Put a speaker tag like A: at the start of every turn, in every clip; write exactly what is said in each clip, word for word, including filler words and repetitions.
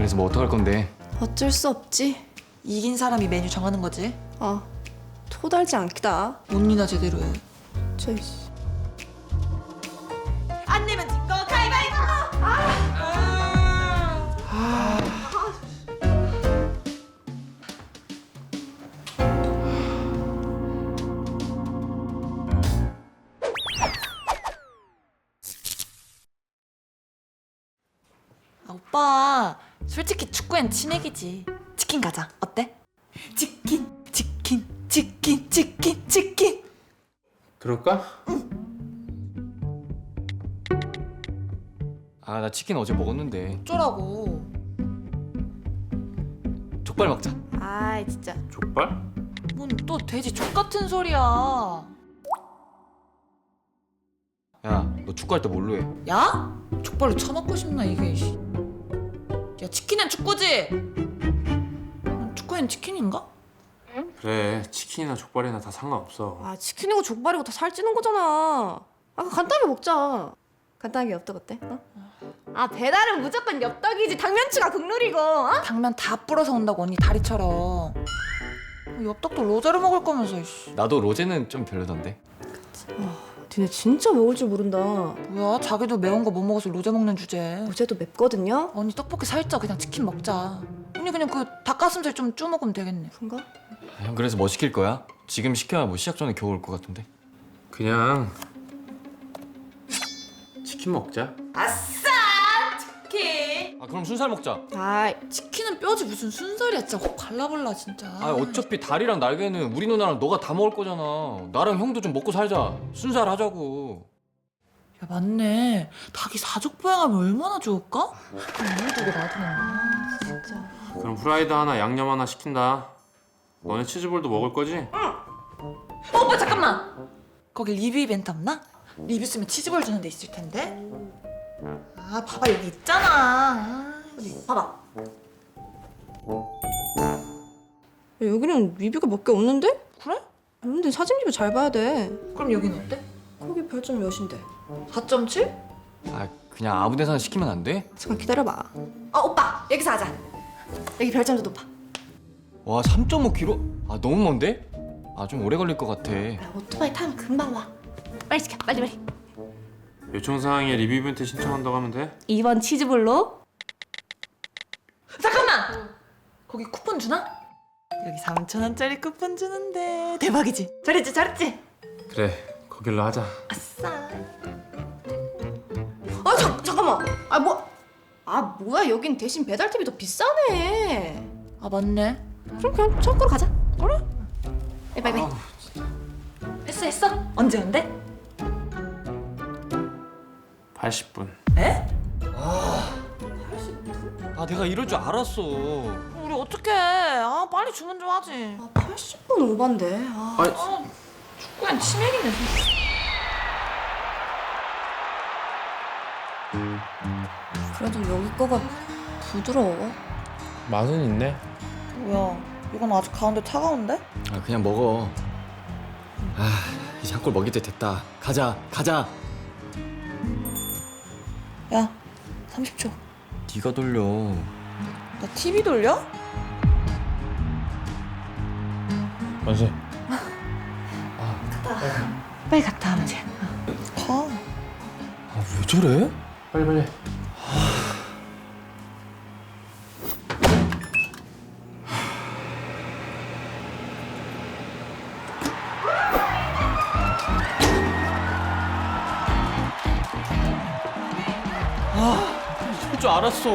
A: 그래서 뭐 어떡할 건데?
B: 어쩔 수 없지.
C: 이긴 사람이 메뉴 정하는 거지.
B: 아, 토달지 않기다.
C: 언니나 제대로 해.
B: 저
C: 안 내면 진거 가위바위보. 아, 오빠 솔직히 축구엔 치맥이지. 치킨 가자. 어때? 치킨 치킨 치킨 치킨 치킨.
D: 그럴까?
A: 아, 나 치킨 어제 먹었는데.
C: 어쩌라고.
A: 족발 먹자.
B: 아이 진짜.
D: 족발?
C: 뭔 또 돼지 족 같은 소리야.
A: 야, 너 축구할 때 뭘로 해?
C: 야? 족발로 처먹고 싶나 이게. 씨. 야, 치킨은 축구지. 음, 축구엔 치킨인가?
D: 그래, 치킨이나 족발이나 다 상관없어.
B: 아 치킨이고 족발이고 다 살찌는 거잖아. 아 간단하게 먹자. 간단하게 엽떡 어때? 어? 아 배달은 무조건 엽떡이지. 당면추가 국룰이고. 어?
C: 당면 다 불어서 온다고 언니 다리처럼. 엽떡도 로제로 먹을 거면서. 씨.
A: 나도 로제는 좀 별로던데.
B: 니네 진짜 먹을 줄 모른다.
C: 뭐야? 자기도 매운 거 못 먹어서 로제 먹는 주제.
B: 어제도 맵거든요.
C: 언니 떡볶이 살쪄. 그냥 치킨 먹자. 언니 그냥 그 닭가슴살 좀 쭈 먹으면 되겠네.
B: 그런가?
A: 아, 형 그래서 뭐 시킬 거야? 지금 시켜야 뭐 시작 전에 겨우 올 것 같은데.
D: 그냥 치킨 먹자.
C: 아싸! 치킨!
A: 아, 그럼 순살 먹자.
B: 아이
C: 치킨은 뼈지 무슨 순살이야. 진짜 확 발라볼라 진짜.
A: 아, 어차피 다리랑 날개는 우리 누나랑 너가 다 먹을 거잖아. 나랑 형도 좀 먹고 살자. 순살 하자고.
C: 야 맞네. 닭이 사족 보양하면 얼마나 좋을까? 그럼 우리 두개 놔두면.
B: 진짜.
D: 그럼 후라이드 하나, 양념 하나 시킨다. 너네 치즈볼도 먹을 거지?
C: 어, 오빠 잠깐만. 거기 리뷰 이벤트 없나? 리뷰 쓰면 치즈볼 주는 데 있을 텐데. 아 봐봐 여기 있잖아. 어디 봐봐.
B: 야, 여기는 리뷰가 몇 개 없는데?
C: 그래?
B: 근데 사진 리뷰 잘 봐야 돼.
C: 그럼 여기는 어때?
B: 거기 별점 몇인데?
C: 사 점 칠?
A: 아, 그냥 아무 데서나 시키면 안 돼?
B: 잠깐 기다려봐. 어 오빠 여기서 하자. 여기 별점도 높아.
A: 와, 삼 점 오 킬로미터? 아, 너무 먼데? 아, 좀 오래 걸릴 것 같아.
B: 야, 오토바이 타면 금방 와. 빨리 시켜 빨리 빨리.
D: 요청사항에 리뷰 이벤트 신청한다고 하면 돼?
B: 이 번 치즈볼로.
C: 잠깐만. 거기 쿠폰 주나? 여기 삼천 원짜리 쿠폰 주는데. 대박이지? 잘했지 잘했지?
D: 그래, 거길로 하자.
C: 아싸.
B: 아 잠, 잠깐만. 아 뭐? 아 뭐야 여긴 대신 배달팁이 더 비싸네.
C: 아 맞네.
B: 그럼 그냥 창고로 가자. 그래? 빨리 빨리.
C: 했어 했어? 언제 온대?
D: 팔십 분.
C: 에?
A: 아, 내가 이럴 줄 알았어.
C: 우리 어떡해. 아 빨리 주문 좀 하지.
B: 아 팔십 분 오반데. 아.
D: 아니,
C: 아 축구엔 치맥이네.
B: 그래도 여기 거가 부드러워.
D: 맛은 있네.
C: 뭐야? 이건 아직 가운데 차가운데?
A: 아, 그냥 먹어. 아, 이제 한 골 먹일 때 됐다. 가자, 가자.
C: 야, 삼십 초.
A: 네가 돌려.
C: 나 티비 돌려?
D: 만세.
B: 빨리 갔다 와면 돼.
C: 가.
A: 아, 왜 저래?
D: 빨리 빨리.
A: 이럴 줄 알았어.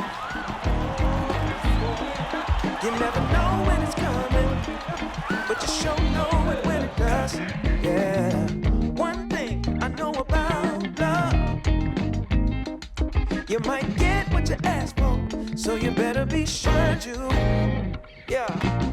E: You never know when it's coming, but you sure know it when it does. Yeah. One thing I know about love, you might get what you ask for, so you better be sure to. Yeah.